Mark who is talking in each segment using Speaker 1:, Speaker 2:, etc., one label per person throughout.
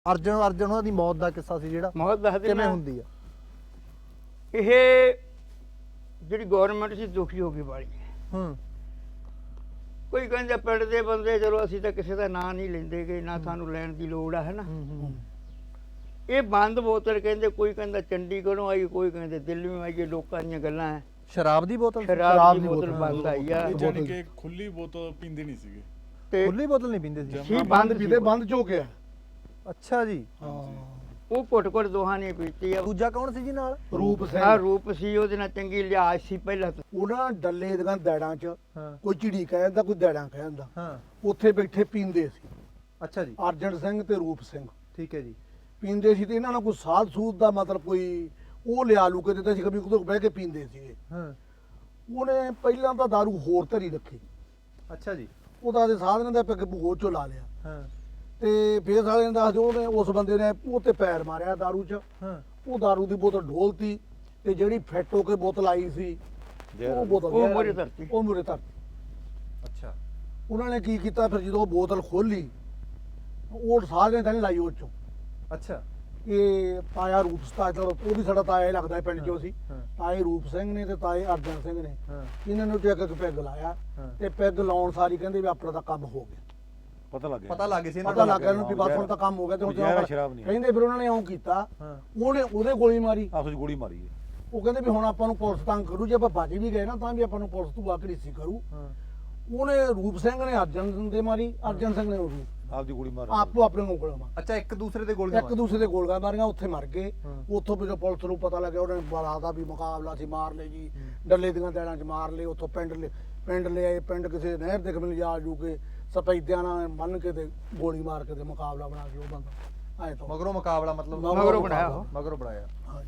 Speaker 1: ਅਰਜਨ ਉਹਨਾਂ ਦੀ ਮੌਤ ਦਾ ਕਿੱਸਾ ਸੀ ਜਿਹੜਾ
Speaker 2: ਮੌਤ ਦੱਸਦੇ
Speaker 1: ਕਿਵੇਂ ਹੁੰਦੀ ਆ?
Speaker 2: ਇਹ ਜਿਹੜੀ ਗਵਰਨਮੈਂਟ ਸੀ ਦੁਖੀ ਹੋ ਗਈ ਬਾਲੀ। ਕੋਈ ਕਹਿੰਦਾ ਪਿੰਡ ਦੇ ਬੰਦੇ ਚਲੋ ਅਸੀਂ ਤਾਂ ਕਿਸੇ ਦਾ ਨਾਂ ਨਹੀਂ ਲੈਂਦੇ ਗੇ, ਨਾ ਸਾਨੂੰ ਲੈਣ ਦੀ ਲੋੜ ਆ, ਹੈ ਨਾ। ਇਹ ਬੰਦ ਬੋਤਲ ਕਹਿੰਦੇ, ਕੋਈ ਕਹਿੰਦਾ ਚੰਡੀਗੜ੍ਹੋਂ ਆਈ, ਕੋਈ ਕਹਿੰਦੇ ਦਿੱਲੀੋਂ ਆਈ। ਲੋਕਾਂ ਦੀਆਂ ਗੱਲਾਂ ਹੈ।
Speaker 1: ਸ਼ਰਾਬ ਦੀ ਬੋਤਲ?
Speaker 2: ਸ਼ਰਾਬ ਦੀ ਬੋਤਲ ਬੰਦ ਆਈ ਆ।
Speaker 3: ਜਾਨੀ ਕਿ ਖੁੱਲੀ ਬੋਤਲ ਪੀਂਦੇ ਨਹੀਂ ਸੀਗੇ।
Speaker 2: ਤੇ
Speaker 1: ਖੁੱਲੀ ਬੋਤਲ ਨਹੀਂ ਪੀਂਦੇ ਸੀ?
Speaker 2: ਬੰਦ ਪੀਂਦੇ,
Speaker 4: ਬੰਦ ਜੋ ਗਿਆ।
Speaker 1: ਅੱਛਾ ਜੀ।
Speaker 2: ਉਹ ਘੁੱਟ ਦੋਹਾਂ ਨੇ ਪੀਤੀ ਆ।
Speaker 1: ਦੂਜਾ ਕੌਣ ਸੀ ਜੀ ਨਾਲ?
Speaker 4: ਰੂਪ ਸਿੰਘ।
Speaker 2: ਆ ਰੂਪ ਸੀ, ਉਹਦੇ ਨਾਲ ਚੰਗੀ ਲਿਆਜ ਸੀ ਪਹਿਲਾਂ ਤੋਂ।
Speaker 4: ਉਹਨਾਂ ਡੱਲੇ ਦੀਆਂ ਦੈੜਾਂ 'ਚ ਕੋਈ ਝਿੜੀ ਕਹਿੰਦਾ, ਕੋਈ ਦੈੜਾਂ ਕਹਿੰਦਾ।
Speaker 1: ਹਾਂ,
Speaker 4: ਉੱਥੇ ਬੈਠੇ ਪੀਂਦੇ ਸੀ।
Speaker 1: ਅੱਛਾ ਜੀ।
Speaker 4: ਅਰਜਨ ਸਿੰਘ ਤੇ ਰੂਪ ਸਿੰਘ
Speaker 1: ਠੀਕ ਹੈ ਜੀ।
Speaker 4: ਪੀਂਦੇ ਸੀ ਤੇ ਇਹਨਾਂ ਨਾਲ ਕੋਈ ਸਾਧ ਸੂਦ ਦਾ ਮਤਲਬ ਕੋਈ ਉਹ ਲਿਆ ਲੂ ਕੇ ਦਿੱਤਾ ਸੀ, ਕभी ਉਹਦੇ ਬਹਿ ਕੇ ਪੀਂਦੇ ਸੀਗੇ।
Speaker 1: ਹਾਂ,
Speaker 4: ਉਹਨੇ ਪਹਿਲਾਂ ਤਾਂ ਦਾਰੂ ਹੋਰ ਧਰੀ ਰੱਖੀ।
Speaker 1: ਅੱਛਾ ਜੀ।
Speaker 4: ਉਹਦਾ ਦੇ ਸਾਧਨ ਦਾ ਪਿੱਕ ਹੋਰ ਚੋਂ ਲਾ ਲਿਆ।
Speaker 1: ਹਾਂ,
Speaker 4: ਤੇ ਫੇਰ ਸਾਲੇ ਨੇ ਦੱਸ ਦਿਓ ਉਹਨੇ ਉਸ ਬੰਦੇ ਨੇ ਉਹ ਤੇ ਪੈਰ ਮਾਰਿਆ ਦਾਰੂ 'ਚ।
Speaker 1: ਹਾਂ,
Speaker 4: ਉਹ ਦਾਰੂ ਦੀ ਬੋਤਲ ਢੋਲਤੀ ਤੇ ਜਿਹੜੀ ਫੈਟ ਹੋ ਕੇ ਬੋਤਲ ਆਈ ਸੀ ਉਹ ਬੋਤਲ
Speaker 2: ਉਹ ਮੂਹਰੇ ਧਰਤੀ।
Speaker 4: ਉਹ ਮੂਹਰੇ ਧਰਤੀ।
Speaker 1: ਅੱਛਾ।
Speaker 4: ਉਹਨਾਂ ਨੇ ਕੀ ਕੀਤਾ ਫਿਰ ਜਦੋਂ ਉਹ ਬੋਤਲ ਖੋਲੀ, ਉਹ ਸਾਰਿਆਂ ਨੇ ਲਾਈ ਉਹ 'ਚੋਂ।
Speaker 1: ਅੱਛਾ।
Speaker 4: ਇਹ ਤਾਇਆ ਰੂਪ ਸਤਾਜ, ਉਹ ਵੀ ਸਾਡਾ ਤਾਇਆ ਹੀ ਲੱਗਦਾ ਹੈ ਪਿੰਡ 'ਚੋਂ ਸੀ।
Speaker 1: ਹਾਂ,
Speaker 4: ਤਾਏ ਰੂਪ ਸਿੰਘ ਨੇ ਤੇ ਤਾਏ ਅਰਜਨ ਸਿੰਘ ਨੇ
Speaker 1: ਹਾਂ,
Speaker 4: ਇਹਨਾਂ ਨੂੰ ਟੇਕ ਕੇ ਪੈਗ ਲਾਇਆ।
Speaker 1: ਹਾਂ।
Speaker 4: ਤੇ ਪੈਗ ਲਾਉਣ ਸਾਰੀ ਕਹਿੰਦੇ ਵੀ ਆਪਣਾ ਤਾਂ ਕੰਮ ਹੋ ਗਿਆ।
Speaker 1: ਪਤਾ ਲੱਗ ਗਿਆ ਸੀ ਇਹਨਾਂ
Speaker 4: ਪਤਾ
Speaker 1: ਨੂੰ?
Speaker 4: ਲੱਗ ਗਿਆ ਇਹਨੂੰ ਵੀ ਬਸ ਹੁਣ ਤਾਂ ਕੰਮ ਹੋ ਗਿਆ। ਤੇ ਹੁਣ
Speaker 5: ਸ਼ਰਾਬ ਨਹੀਂ
Speaker 4: ਕਹਿੰਦੇ ਫਿਰ ਉਹਨਾਂ ਨੇ ਇਉਂ ਕੀਤਾ,
Speaker 1: ਹਾਂ,
Speaker 4: ਉਹਦੇ ਗੋਲੀ ਮਾਰੀ।
Speaker 5: ਆਪਸ ਵਿੱਚ ਗੋਲੀ ਮਾਰੀ ਹੈ।
Speaker 4: ਉਹ ਕਹਿੰਦੇ ਵੀ ਹੁਣ ਆਪਾਂ ਨੂੰ ਪੁਲਿਸ ਤੰਗ ਕਰੂ, ਜੇ ਆਪਾਂ ਭੱਜ ਵੀ ਗਏ ਨਾ ਤਾਂ ਵੀ ਆਪਾਂ ਨੂੰ ਪੁਲਿਸ ਤੋਂ ਆਕੜੀਸੀ ਕਰੂ।
Speaker 1: ਹਾਂ,
Speaker 4: ਉਹਨੇ ਰੂਪ ਸਿੰਘ ਨੇ ਅਰਜਨ ਦੇ ਮਾਰੀ, ਅਰਜਨ ਸਿੰਘ ਨੇ
Speaker 5: ਆਪਦੀ ਗੋਲੀ ਮਾਰ
Speaker 4: ਆਪੋ ਆਪਣੇ ਨੂੰ ਗੋਲੀਆਂ ਮਾਰੀ।
Speaker 1: ਅੱਛਾ, ਇੱਕ ਦੂਸਰੇ ਦੇ ਗੋਲੀਆਂ
Speaker 4: ਇੱਕ ਦੂਸਰੇ ਦੇ ਗੋਲੀਆਂ ਮਾਰੀਆਂ, ਉੱਥੇ ਮਰ ਗਏ।
Speaker 1: ਹਾਂ।
Speaker 4: ਉੱਥੋਂ ਵੀ ਜਦੋਂ ਪੁਲਿਸ ਨੂੰ ਪਤਾ ਲੱਗਿਆ, ਉਹਨੇ ਬੜਾ ਦਾ ਵੀ ਮੁਕਾਬਲਾ ਸੀ, ਮਾਰ ਲਏ ਜੀ। ਡੱਲੇ ਦੀਆਂ ਦੈੜਾਂ 'ਚ ਮਾਰ ਲਏ। ਉੱਥੋਂ ਪਿੰਡ ਲੈ ਆਏ। ਪਿੰਡ ਕਿਸੇ ਨਹਿਰ ਦੇ ਕੋਲ ਜਾ ਜੂ ਕੇ ਸਪੈਦਿਆਂ ਨਾਲ ਬੰਨ ਕੇ ਤੇ ਗੋਲੀ ਮਾਰ ਕੇ ਤੇ ਮੁਕਾਬਲਾ ਬਣਾ ਕੇ ਉਹ ਬੰਦਾ ਆਏ ਤੋਂ
Speaker 1: ਮਗਰੋਂ ਮੁਕਾਬਲਾ ਮਤਲਬ
Speaker 4: ਮਗਰੋਂ
Speaker 2: ਬਣਾਇਆ ਉਹ।
Speaker 1: ਮਗਰੋਂ ਬਣਾਇਆ।
Speaker 4: ਹਾਂਜੀ।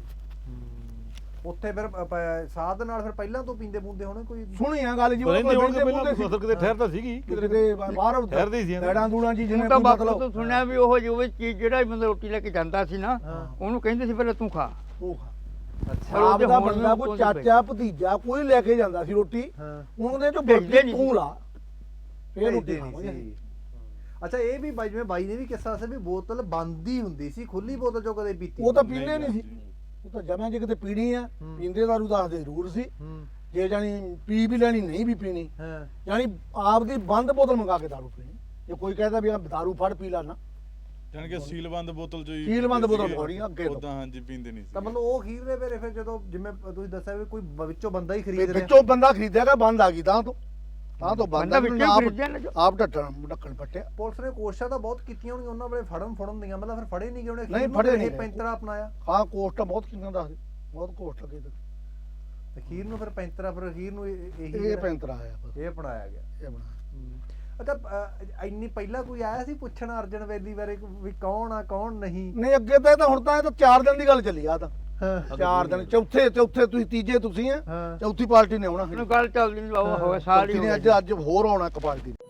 Speaker 1: ਉੱਥੇ ਫਿਰ ਸਾਧ ਨਾਲ ਫਿਰ ਪਹਿਲਾਂ ਤੋਂ ਪੀਂਦੇ ਪੂੰਦੇ ਹੋਣੇ ਕੋਈ?
Speaker 4: ਸੁਣੀ ਆ ਗੱਲ ਜੀ,
Speaker 5: ਰਹਿੰਦੇ ਹੋਣਗੇ ਪਹਿਲਾਂ ਫਸਲ ਕਿਤੇ ਠਹਿਰਦਾ ਸੀਗੀ,
Speaker 4: ਕਿਤੇ ਬਾਹਰ
Speaker 5: ਠਹਿਰਦੇ ਹੀ ਸੀ
Speaker 4: ਦੈੜਾਂ ਦੂੜਾਂ ਜੀ ਜਿਹਨੇ
Speaker 2: ਤਾਂ
Speaker 4: ਕੋਈ
Speaker 2: ਬਾਪੂ
Speaker 4: ਮਤਲਬ
Speaker 2: ਤੋਂ ਸੁਣਿਆ ਵੀ ਉਹ ਜਿਵੇਂ ਚੀਜ਼ ਜਿਹੜਾ ਵੀ ਬੰਦਾ ਰੋਟੀ ਲੈ ਕੇ ਜਾਂਦਾ ਸੀ ਨਾ, ਉਹਨੂੰ ਕਹਿੰਦੇ ਸੀ ਪਹਿਲਾਂ ਤੂੰ ਖਾ।
Speaker 4: ਉਹ ਖਾ।
Speaker 1: ਅੱਛਾ।
Speaker 4: ਆਪ
Speaker 2: ਉਹਦੇ
Speaker 4: ਦਾ
Speaker 2: ਹੁਣ
Speaker 4: ਬੰਦਾ
Speaker 2: ਵੀ
Speaker 4: ਕੋਈ
Speaker 2: ਕੋਈ
Speaker 4: ਚਾਚਾ ਭਤੀਜਾ ਕੋਈ ਲੈ ਕੇ ਜਾਂਦਾ ਸੀ ਰੋਟੀ,
Speaker 1: ਹਾਂ,
Speaker 4: ਉਹਦੇ ਚੋਂ
Speaker 2: ਭੇਜਦੇ
Speaker 4: ਬਰਫੀ
Speaker 2: ਨਹੀਂ
Speaker 4: ਤੂੰ ਲਾ ਫੇਰ ਰੋਟੀ
Speaker 1: ਭੇਜਦੇ ਨਹੀਂ
Speaker 4: ਖਾਵਾਂਗੇ।
Speaker 1: ਸੀ। ਅੱਛਾ, ਇਹ ਵੀ ਬਾਈ ਜਿਵੇਂ ਬਾਈ ਨੇ ਵੀ ਕਿੱਸਾ ਸੀ ਵੀ ਬੋਤਲ ਬੰਦ ਹੀ ਹੁੰਦੀ ਸੀ, ਖੁੱਲੀ ਬੋਤਲ ਚੋਂ ਕਦੇ ਪੀਤੀ?
Speaker 4: ਉਹ ਤਾਂ ਪੀਂਦੇ ਨਹੀਂ ਸੀ। ਉਹ ਤਾਂ ਜਮਾਂ ਜੇ ਕਿਤੇ ਪੀਣੀ ਆ, ਪੀਂਦੇ ਦਾਰੂ ਦੱਸਦੇ ਜ਼ਰੂਰ ਸੀ।
Speaker 1: ਹੂੰ,
Speaker 4: ਜੇ ਜਾਨੀ ਪੀ ਵੀ ਲੈਣੀ, ਨਹੀਂ ਵੀ ਪੀਣੀ,
Speaker 1: ਹਾਂ,
Speaker 4: ਜਾਨੀ ਆਪ ਦੀ ਬੰਦ ਬੋਤਲ ਮੰਗਾ ਕੇ ਦਾਰੂ ਪੀਣੀ। ਜੇ ਕੋਈ ਕਹਿੰਦਾ ਵੀ ਆ ਦਾਰੂ ਫੜ ਪੀ ਲਾ ਨਾ,
Speaker 3: ਜਾਨੀ ਕਿ ਸੀਲਬੰਦ ਬੋਤਲ ਚੋਂ ਹੀ
Speaker 4: ਸੀਲਬੰਦ ਬੋਤਲ
Speaker 3: ਸੀਗੇ।
Speaker 4: ਮੰਗਾਉਣੀ ਅੱਗੇ ਤੋਂ।
Speaker 3: ਉਦਾਂ ਹਾਂਜੀ ਪੀਂਦੇ ਨਹੀਂ
Speaker 1: ਤਾਂ
Speaker 3: ਸੀ।
Speaker 1: ਮਤਲਬ ਉਹ ਖੀਰ ਦੇ ਫਿਰ ਜਦੋਂ ਜਿਵੇਂ ਤੁਸੀਂ ਦੱਸਿਆ ਵੀ ਕੋਈ ਵਿੱਚੋਂ ਬੰਦਾ ਹੀ ਖਰੀਦ ਰਿਹਾ।
Speaker 4: ਵਿੱਚੋਂ ਬੰਦਾ ਖਰੀਦਿਆਗਾ, ਬੰਦ ਆ ਗਈ ਤਾਂ ਤੋਂ ਬੰਦ
Speaker 2: ਬੰਦਾ
Speaker 4: ਆ
Speaker 2: ਵਿੱਚੋਂ
Speaker 4: ਗਈ।
Speaker 2: ਖਰੀਦਿਆ ਨਾ ਜੋ।
Speaker 4: ਆਪ ਢੱਕਣ ਪੱਟਿਆ।
Speaker 1: ਪੁਲਿਸ ਨੇ ਕੋਸ਼ਿਸ਼ਾਂ ਤਾਂ ਬਹੁਤ ਕੀਤੀਆਂ ਹੋਣਗੀਆਂ ਉਹਨਾਂ ਵੇਲੇ ਫੜਨ ਦੀਆਂ, ਮਤਲਬ ਫਿਰ ਫੜੇ ਨਹੀਂ ਗਏ ਉਹਨੇ?
Speaker 4: ਨਹੀਂ, ਫੜੇ ਨਹੀਂ
Speaker 1: ਇਹ
Speaker 4: ਗਏ।
Speaker 1: ਪੈਂਤਰਾ ਅਪਣਾਇਆ।
Speaker 4: ਹਾਂ, ਕੋਸਟਾਂ ਬਹੁਤ ਕਿੰਨਾ ਦੱਸਦੇ, ਬਹੁਤ ਕੋਸਟ ਲੱਗੇ ਤੇ
Speaker 1: ਤੇ ਖੀਰ ਨੂੰ ਫਿਰ ਪੈਂਤਰਾ, ਫਿਰ ਖੀਰ ਨੂੰ
Speaker 4: ਇਹ ਪੈਂਤਰਾ ਆਇਆ ਬਸ,
Speaker 1: ਇਹ ਅਪਣਾਇਆ ਗਿਆ।
Speaker 4: ਇਹ ਬਣਾ।
Speaker 1: ਅੱਛਾ, ਇੰਨੀ ਪਹਿਲਾਂ ਕੋਈ ਆਇਆ ਸੀ ਪੁੱਛਣ ਅਰਜਨ ਵੈਲੀ ਬਾਰੇ ਵੀ ਕੌਣ ਆ ਕੌਣ ਨਹੀਂ?
Speaker 4: ਨਹੀਂ, ਅੱਗੇ ਤਾਂ ਇਹ ਤਾਂ ਹੁਣ ਤਾਂ ਇਹ ਤਾਂ 4 ਦਿਨ ਦੀ ਗੱਲ ਚੱਲੀ ਆ ਤਾਂ।
Speaker 1: ਹਾਂ,
Speaker 4: 4 ਦਿਨ, ਚੌਥੇ ਤੁਸੀਂ ਤੀਜੇ ਤੁਸੀਂ ਆ,
Speaker 1: ਹਾਂ।
Speaker 4: ਚੌਥੀ ਪਾਰਟੀ ਨੇ ਆਉਣਾ।
Speaker 2: ਉਹਨੂੰ ਗੱਲ ਚੱਲਦੀ ਨਹੀਂ ਬਾਬਾ, ਹੋਇਆ ਸਾਲ ਹੀ
Speaker 4: ਚੌਥੀ
Speaker 2: ਹੋ
Speaker 4: ਨੇ
Speaker 2: ਗਿਆ।
Speaker 4: ਅੱਜ ਹੋਰ ਆਉਣਾ ਇੱਕ ਪਾਰਟੀ ਨੇ।